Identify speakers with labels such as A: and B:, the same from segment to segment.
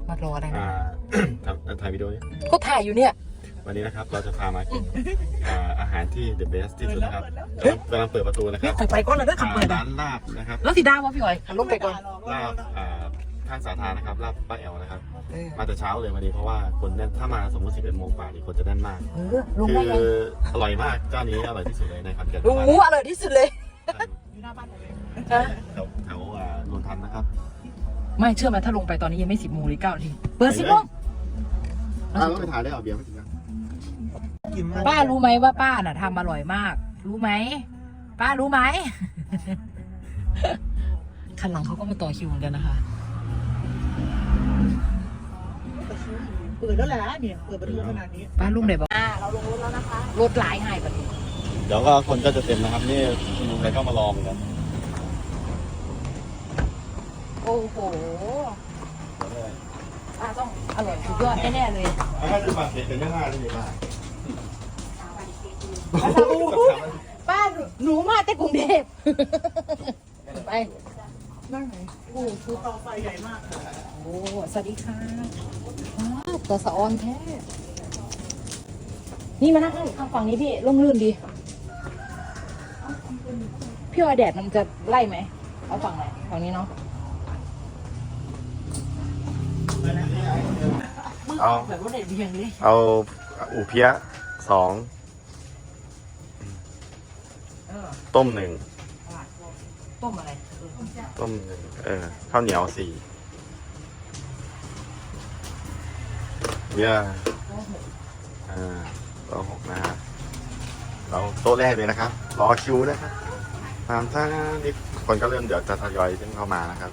A: มารออะไรนะ
B: ถ่ายวิดีโอนี้
A: ก็ถ่ายอยู่เนี่ย
B: วันนี้นะครับเราจะพามากินอาหารที่ the best ที่สุดนะครับกำลังเปิดประตูนะครับ
A: ไปก่อนเลยด้วยคำเปิด
B: ร้านลาบนะครับ
A: แล้วสีดาวะพี่อ๋อยลงไปก่อน
B: ลาบข้างสาธารนะครับลาบป้าแอลนะครับมาแต่เช้าเลยวันนี้เพราะว่าคนแน่นถ้ามาสมมติ11 โมงกว่านี่คนจะแน่นมากคืออร่อยมากเจ้านี้อร่อยที่สุดเลยในขอนแก่น
A: อร่อยที่สุดเลย
B: อยู่หน้าบ้านเลยแถวนนทันนะครับ
A: ไม่เชื่อไหมถ้าลงไปตอนนี้ยังไม่10 โมงหรือ9 นาทีเปิด10 โมง
B: แล้วไปถ่ายได้เอาเบียร์ไม่ถึงนะ
A: ป้ารู้ไหมว่าป้าน่ะทำอร่อยมากรู้ไหมป้ารู้ไหมคันหลังเขาก็มาต่อคิวเหมือนกันนะคะ
C: เปิดแล้วแหละเนี่ยเปิดประตูขนาดนี้
A: ป้าลุงไหนบอกเราลงรถแล้วนะคะรถหลายหายแบบนี้
B: เดี๋ยวก็คนก็จะเต็มนะครับนี่ลุงใครก็มารอเหมือนกัน
A: โอ้โหป้าต้องอร่อยสุดยอดแน่ๆเลย
B: ถ้าจะมาเด็ดเป็นยังไงเลยป้า
A: ป้าหนูมาแต่กรุงเทพไป
C: นั่งไหนโอ้คือเตาไฟใหญ่มาก
A: โอ้สวัสดีค่ะตัวสะออนแท้นี่มานั่งข้างฝั่งนี้พี่ร่มรื่นดีพี่ว่าแดดมันจะไล่ไหมเอาฝั่งไหนฝั่งนี้เนาะ
B: เอา
A: แบบว่าเด็ดเบียงเลย
B: เอาอูเพี้ย2ต้ม1
A: ต้มอะไร
B: ต้ม1ข้าวเหนียว4เบียร์โต๊ะ6นะฮะเราโต๊ะแรกเลยนะครับรอคิวนะครับตามท่านี่คนก็เริ่มเดี๋ยวจะทยอยขึ้นเข้ามานะครับ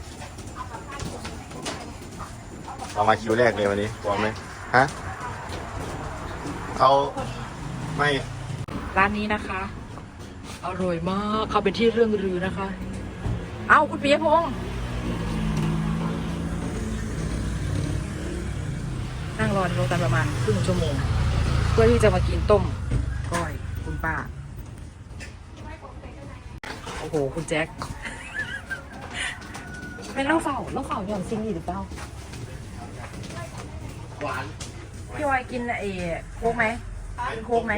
B: เรามาคิวแรกเลยวันนี้พร้อมไหมฮะเอาไม่
A: ร้านนี้นะคะอร่อยมากเขาเป็นที่เรื่องลือนะคะเอ้าคุณปียพงษ์นั่งรอในรถกันประมาณครึ่งชั่วโมงเพื่อที่จะมากินต้มก้อยคุณป้าโอ้โหคุณแจ็คเป็นเล่าเฝ้าหย่อนซิงหรือเปล่า
B: หวาน
A: พี่วายกินโค้กไหมกินโค้กไหม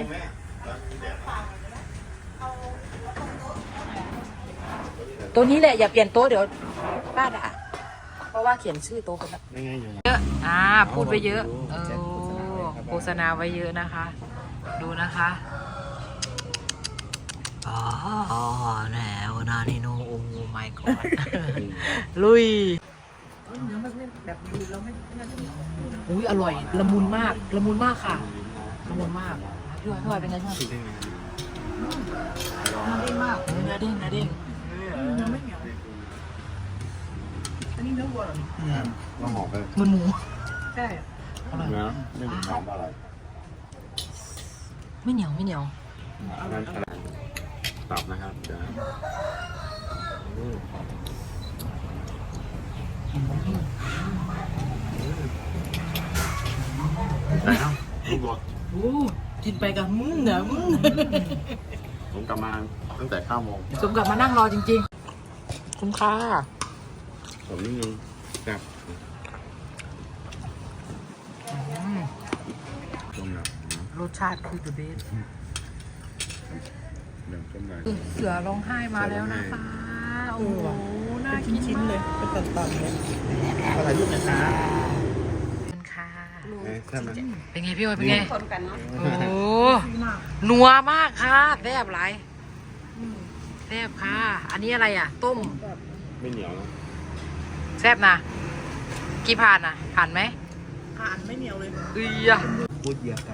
A: ตัวนี้แหละอย่าเปลี่ยนโต๊ะเดี๋ยวป้าด่าเพราะว่าเขียนชื่อโต๊ะไปแล้วเยอะพูดไปเยอะโฆษณาไว้เยอะนะคะดูนะคะอ๋อแนวนานิโนโอ้ไม่ก่อนลุยอุ้ยอร่อยละมุนมากค่ะละมุนมากพี่วายเป็นไงบ้างเนื้อเด้งมากเนื้อเด้ง
C: เนื้อไม่เหนียวอันนี้เนื้อวัวเหรอ
B: ต้องหอมไป
A: มันหมู
C: ใช่
B: เนื้อไม่เหนียวอะไร
A: ไม่เหนียว
B: นั่นขนาดตับนะครับเดี๋ยวได้ครับลูกบอล
A: กินไปกับเดี๋ยว
B: ผมกลับมาตั้งแต่9 โมง
A: สมกับมานั่งรอจริงๆคุ้มค่า
B: ผมนิดนึงครับ
A: รสชาติคือ the best เสือร้องไห้มาแล้วนะคะโอ้โหน่ากิน
C: ชิ้นเลยเป็นตันๆเลย
B: อะไรลูกนะคะ
A: ค่ะ
B: เป็น
A: ไงพี่โอ้ยเป็นไงโอ้นัวมากค่ะแซ่บไรแซ่บค่ะอันนี้อะไรอ่ะต้ม
B: ไม่เหนียวนะ
A: แซ่บนะกี่ผ่านผ่านไหม
C: ผ่านไม่เหนียวเลย
B: พูดเยอะไป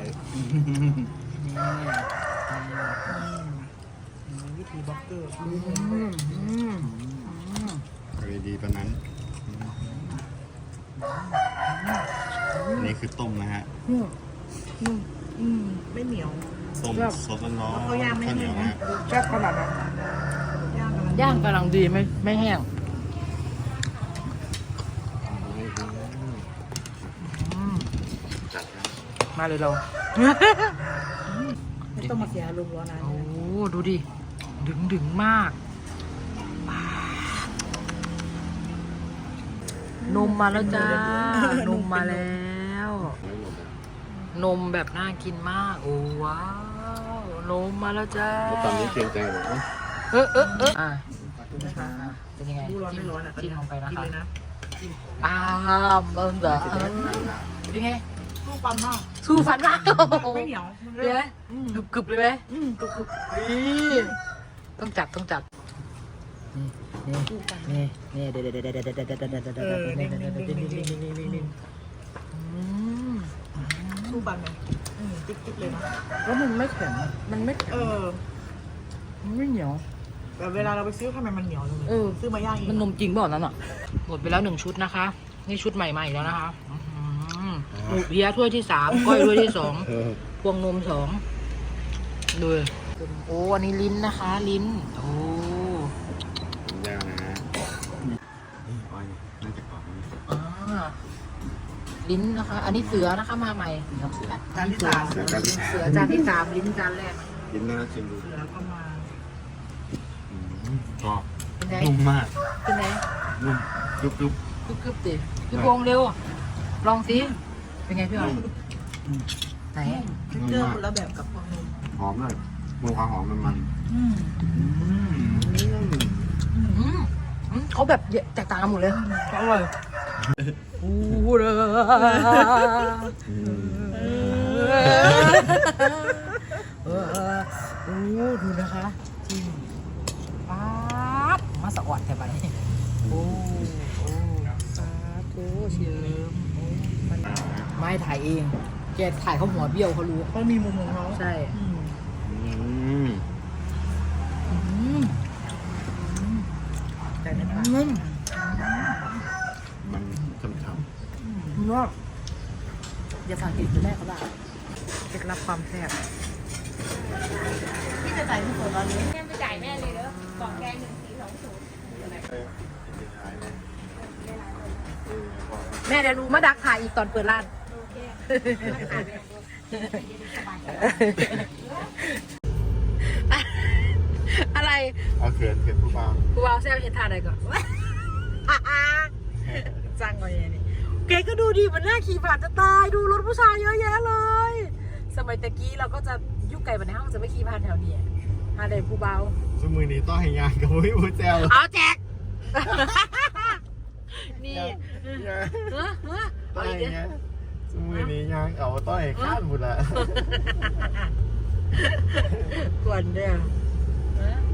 C: วิธีบล็อกเกอร์
B: ดีปะนั้นนี่คือต้มนะฮะ
C: ไม่เหนียว
B: ต้มซอสร้อน
C: เขาย่างไม่แห้ง
A: แซ่บขนาดนั้นย่างกำลังดีไม่แห้งมาเลยเรา
C: ไม่ต้องมาเสียลุงร้อนนะ
A: โอ้ดูดิดึงมากนมมาแล้วจ้านมมาแล้ว นมแบบน่ากินมาก โอ้ว้าว นมมาแล้วจ้า
B: ตอนนี้เกรงใจหมดนะ
A: อ่ะเป็นยังไง
C: ดูร้อนไม่ร้อนอ่ะ
A: จิ้มลงไปนะ
C: กิน
A: คะ
C: เลยนะ
A: เบิ่งเด้อเป็นไง
C: ลูกปันมาก
A: สู้ฟันมาก
C: ไม่เหนียว
A: เลยไหมกรึบๆเลยไหม
C: กรุบ
A: นี่ต้องจับนี่เดี๋ยว
C: สู้ปันไหมติ๊กเลยนะ
A: แล้วมันไม่แข็งมันไม่แข็ง มันไม่เหนียว
C: แต่เวลาเราไปซื้อทำไมมันเหนียวจังเลยซื้อมาย่างเอง
A: มันนมจริงเปล่านั้นอ่ะ หมดไปแล้ว1 ชุดนะคะ นี่ชุดใหม่ๆแล้วนะคะหมูเพี้ยถ้วยที่ 3 ก้อยถ้วยที่ 2 พวงนม 2ดูโอ้อันนี้ลิ้นนะคะ ลิ้น โอ้
B: ยากนะนี่อ้อยน่าจะกรอบนะ
A: ลิ้นนะคะ อันนี้เสือนะคะมาใหม่
C: จานที่สาม
B: เสือกัน
A: เสือจานที่ 3 ลิ้นจานแรก
B: กินน่าชิมดู
C: เสือก็มา
B: กรอบ
A: เป็นไง
B: นุ่มมาก
A: เป็นไง
B: นุ่มกรุบ
A: กึบดิคือวงเร็ว ลองสิเป็นไงพี่อ๋อยไหน
C: เจอคนละแบบกับฟองนม
B: หอมเลยมีความหอมมัน
A: เขาแบบแตกต่างกันหมดเลยอร่อยอู้เลยดูนะคะจิ้มป๊าบมาสะออดแต่ไปโอ้สาธุเชิมไม่ถ่ายเอง แกถ่ายเขาหัวเบี้ยวเขารู้
C: เขามีมุมของเขา
A: ใช่
C: แต่ไม่ผ่าน
B: มันฉ่ำ
A: ว่าอย่าสั่งติดแม่เขาได้เคล็ดลับความแซ่บ
C: พี่จะจ่ายที่สดร้อนเลย
D: แม่ไปจ่ายแม่เลยเด้อกล่องแกง1420
A: แม่เดี๋ยวรู้มาดักถ่ายอีกตอนเปิดร้าน อะไร
B: เอาเขินผู้ฟัง
A: กูเอาแซวเห็นทานอะไรก่อนจังเลยนี่เก๋ก็ดูดีมันน่าขี่ผ่านจะตายดูรถผู้ชายเยอะแยะเลย สมัยตะกี้เราก็จะยุคไก่บันในห้องจะไม่ขี่ผ่านแถวนี้อะไรผู้เบา
B: สมือนี้ต้องให้งานกับพี่ผู้แจว
A: เอาแจก นี่
B: ต้องให้งานสมือนี้งานเอาต้องให้ข้ามหมดละ
A: กวนเด้อ